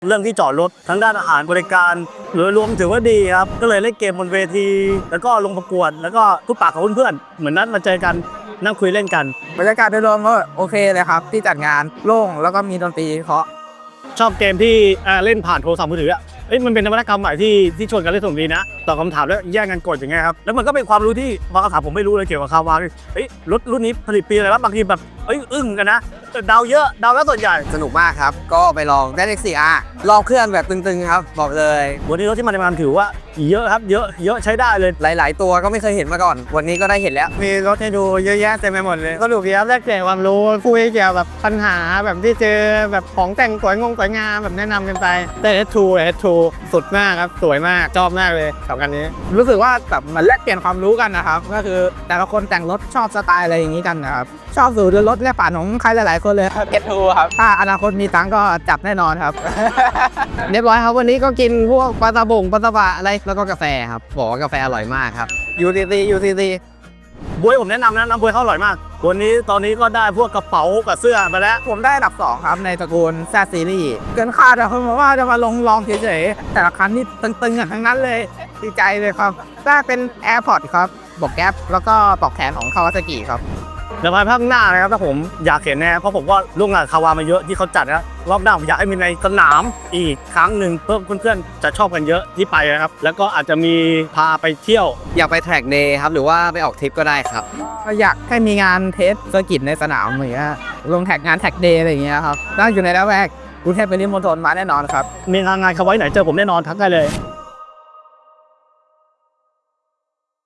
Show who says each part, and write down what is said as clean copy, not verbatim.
Speaker 1: เรื่องที่จอดรถทั้งด้านอาหารบริการโดยรวมถือว่าดีครับก็เลยเล่นเกมบนเวทีแล้วก็ลงประกวดแล้วก็ทุกปากกับเพื่อนๆเหมือนนัดมาเจอกันนั่งคุยเล่นกัน
Speaker 2: บรรยากาศโดยรวมก็โอเคเลยครับที่จัดงานโล่งแล้วก็มีดนตรีเพราะ
Speaker 1: ชอบเกมที่เล่นผ่านโทรศัพท์มือถือมันเป็นนวัตกรรมใหม่ที่ชวนกันเล่นสนุกดีนะตอบคำถามแล้วแย่งกันกดอย่างเงี้ยครับแล้วมันก็เป็นความรู้ที่บางคำถามผมไม่รู้เลยเกี่ยวกับคาวารถรุ่นนี้ผลิตปีอะไรวะบางทีแบบอึ้งกันนะเดาเยอะเดาแล้วส่วนใหญ่
Speaker 2: สนุกมากครับก็ไปลองได้เลข 4R ลองเครื่องแบบตึงๆครับบอกเลย
Speaker 1: วันนี้รถที่มาในงานถือว่าเยอะครับเยอะใช้ได้เลย
Speaker 2: หลายๆตัวก็ไม่เคยเห็นมาก่อนวันนี้ก็ได้เห็นแล้ว
Speaker 1: มีรถให้ดูเยอะแยะเต็มไปหมดเลยสนุกดีครับแลกเปลี่ยนความรู้คุยเกี่ยวกับปัญหาแบบที่เจอแบบของแต่งสวยงามแบบแนะนำกันไปแต่ S2 สุดมากครับสวยมากชอบมากเลยสองคันนี้
Speaker 2: รู้สึกว่าแบบมันแลกเปลี่ยนความรู้กันนะครับก็คือแต่ละคนแต่งรถชอบสไตล์อะไรอย่างนี้กันนะครับชอบสูตรรถและป่านของใครหลายๆคนเลยครับ S2 ครับถ้าอนาคตมีตังก็จับแน่นอนครับ
Speaker 3: เรียบร้อยครับวันนี้ก็กินพวกปลาตะบงปลาตะบะอะไรแล้วก็กาแฟครับบอกว่ากาแฟอร่อยมากครับ
Speaker 2: UTC
Speaker 1: บวยผมแนะนำนะน้ำบวยเขาอร่อยมากวันนี้ตอนนี้ก็ได้พวกกระเป๋ากับเสื้อไปแล้ว
Speaker 2: ผมได้อันดับ 2 ครับในตระกูลแซดซีรีส์เกินคาดอะเพราะว่าจะมาลองเฉยๆแต่ละคันนี่ตึงๆกันทั้งนั้นเลยดีใจเลยครับได้เป็น AirPods ครับบอกแก๊ปแล้วก็ปลอกแขนของคาวาซากิครับ
Speaker 1: เดี๋ยวภายภาคหน้านะครับถ้าผมอยากเห็นแน่เพราะผมก็ร่วมงานคาวามาเยอะที่เขาจัดนะรอบหน้าผมอยากให้มีในสนามอีกครั้งหนึ่งเพื่อเพื่อนๆจะชอบกันเยอะที่ไปนะครับแล้วก็อาจจะมีพาไปเที่ยว
Speaker 3: อยากไปแทร็กเดย์ครับหรือว่าไปออกทริปก็ได้ครับ
Speaker 2: ก็อยากให้มีงานเทสเซอร์กิตในสนามอย่างเงี้ยลงแท็กงานแท็กเดย์อะไรอย่างเงี้ยครับถ้าอยู่ในละแวกกรุงเทพปริมณฑลมาแน่นอนครับ
Speaker 1: มีงานคาวาไหนเจอผมแน่นอนทักได้เลย